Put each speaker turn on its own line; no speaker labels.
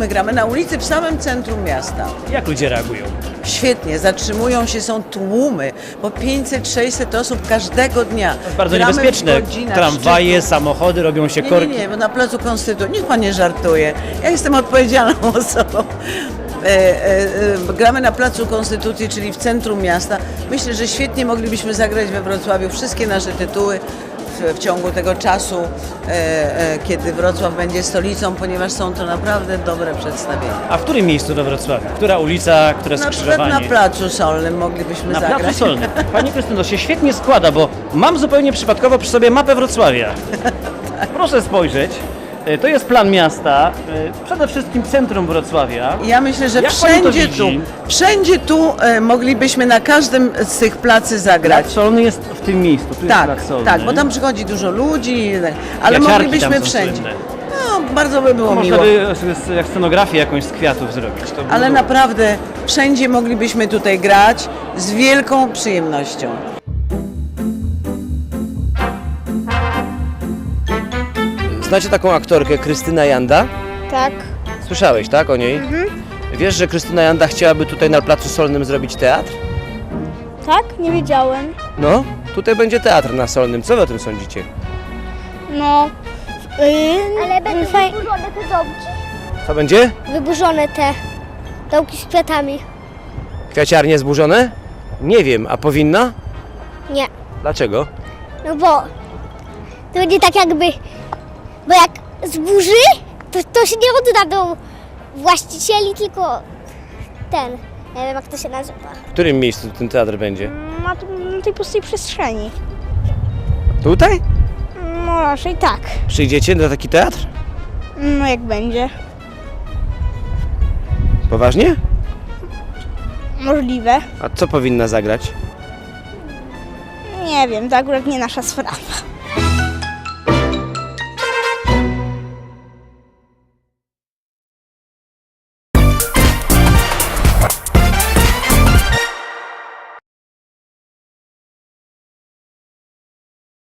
my gramy na ulicy w samym centrum miasta.
Jak ludzie reagują?
Świetnie, zatrzymują się, są tłumy, po 500-600 osób każdego dnia.
To jest bardzo
Gramy w
niebezpieczne.
godzinach
Tramwaje,
szczytu.
samochody, robią się korki.
Nie, bo na Placu Konstytucji, niech pan nie żartuje, ja jestem odpowiedzialną osobą. Gramy na Placu Konstytucji, czyli w centrum miasta. Myślę, że świetnie moglibyśmy zagrać we Wrocławiu wszystkie nasze tytuły w ciągu tego czasu, kiedy Wrocław będzie stolicą, ponieważ są to naprawdę dobre przedstawienia.
A w którym miejscu we Wrocławiu? Która ulica, które
Na przykład
skrzyżowanie?
na Placu Solnym moglibyśmy
Na
zagrać.
Placu Solnym. Pani Krystyno, się świetnie składa, bo mam zupełnie przypadkowo przy sobie mapę Wrocławia. Proszę spojrzeć. To jest plan miasta, przede wszystkim centrum Wrocławia.
Ja myślę, że
Jak pani to
wszędzie tu moglibyśmy na każdym z tych placy zagrać.
Plac Solny jest w tym miejscu, tu jest
Tak,
Plac Solny.
tak, bo tam przychodzi dużo ludzi, ale
Kwiaciarki
moglibyśmy
tam są
wszędzie.
słynne.
No, bardzo by było
Można
miło.
by jak scenografię jakąś z kwiatów zrobić. To by
Ale
było.
naprawdę wszędzie moglibyśmy tutaj grać z wielką przyjemnością.
Znacie taką aktorkę Krystyna Janda?
Tak.
Słyszałeś, tak, o niej? Wiesz, że Krystyna Janda chciałaby tutaj na Placu Solnym zrobić teatr?
Tak? Nie wiedziałem.
No, tutaj będzie teatr na Solnym. Co wy o tym sądzicie?
No.
Ale będą wyburzone te domki?
Co będzie?
Wyburzone te domki z kwiatami.
Kwiaciarnie zburzone? Nie wiem, a powinna?
Nie.
Dlaczego?
No bo to będzie tak jakby, bo jak zburzy, to się nie odda do właścicieli, tylko ten, nie wiem jak to się nazywa.
W którym miejscu ten teatr będzie?
Na tej pustej przestrzeni.
Tutaj?
No raczej tak.
Przyjdziecie na taki teatr?
No jak będzie.
Poważnie?
Możliwe.
A co powinna zagrać?
Nie wiem, to akurat nie nasza sprawa.